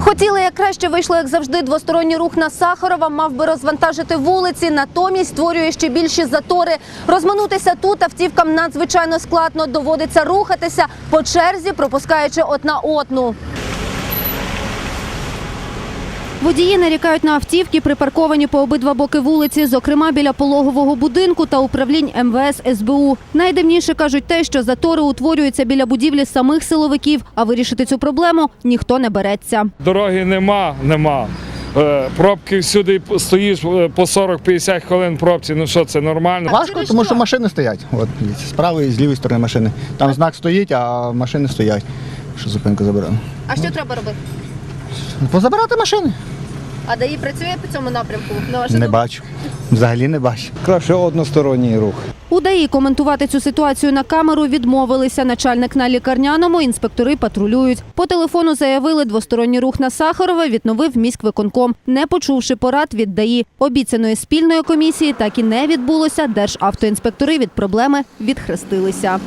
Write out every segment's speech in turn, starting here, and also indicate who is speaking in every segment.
Speaker 1: Хотіли, як краще вийшло, як завжди, двосторонній рух на Сахарова мав би розвантажити вулиці, натомість створює ще більші затори. Розминутися тут автівкам надзвичайно складно, доводиться рухатися по черзі, пропускаючи одна одну. Водії нарікають на автівки, припарковані по обидва боки вулиці, зокрема біля пологового будинку та управлінь МВС, СБУ. Найдивніше кажуть те, що затори утворюються біля будівлі самих силовиків, а вирішити цю проблему ніхто не береться.
Speaker 2: Дороги нема. Пробки всюди, стоїш по 40-50 хвилин в пробці, ну що, це нормально?
Speaker 3: Важко, тому що машини стоять. От, з правої і з лівої сторони машини. Там знак стоїть, а машини стоять, що зупинку забрали.
Speaker 1: А що треба робити?
Speaker 3: Позабирати машини.
Speaker 1: А ДАІ працює по цьому напрямку?
Speaker 3: Не бачу. Взагалі не бачу.
Speaker 4: Краще односторонній рух.
Speaker 1: У ДАІ коментувати цю ситуацію на камеру відмовилися. Начальник на Лікарняному, інспектори патрулюють. По телефону заявили, двосторонній рух на Сахарова відновив міськвиконком, не почувши порад від ДАІ. Обіцяної спільної комісії так і не відбулося. Державтоінспектори від проблеми відхрестилися.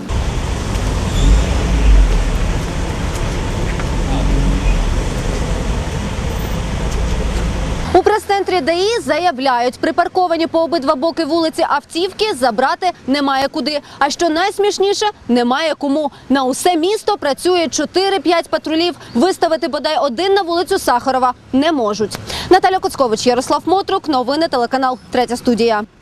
Speaker 1: У прес-центрі ДАІ заявляють, припарковані по обидва боки вулиці автівки забрати немає куди. А що найсмішніше, немає кому. На усе місто працює 4-5 патрулів. Виставити бодай один на вулицю Сахарова не можуть. Наталя Коцкович, Ярослав Мотрук. Новини телеканал «Третя студія».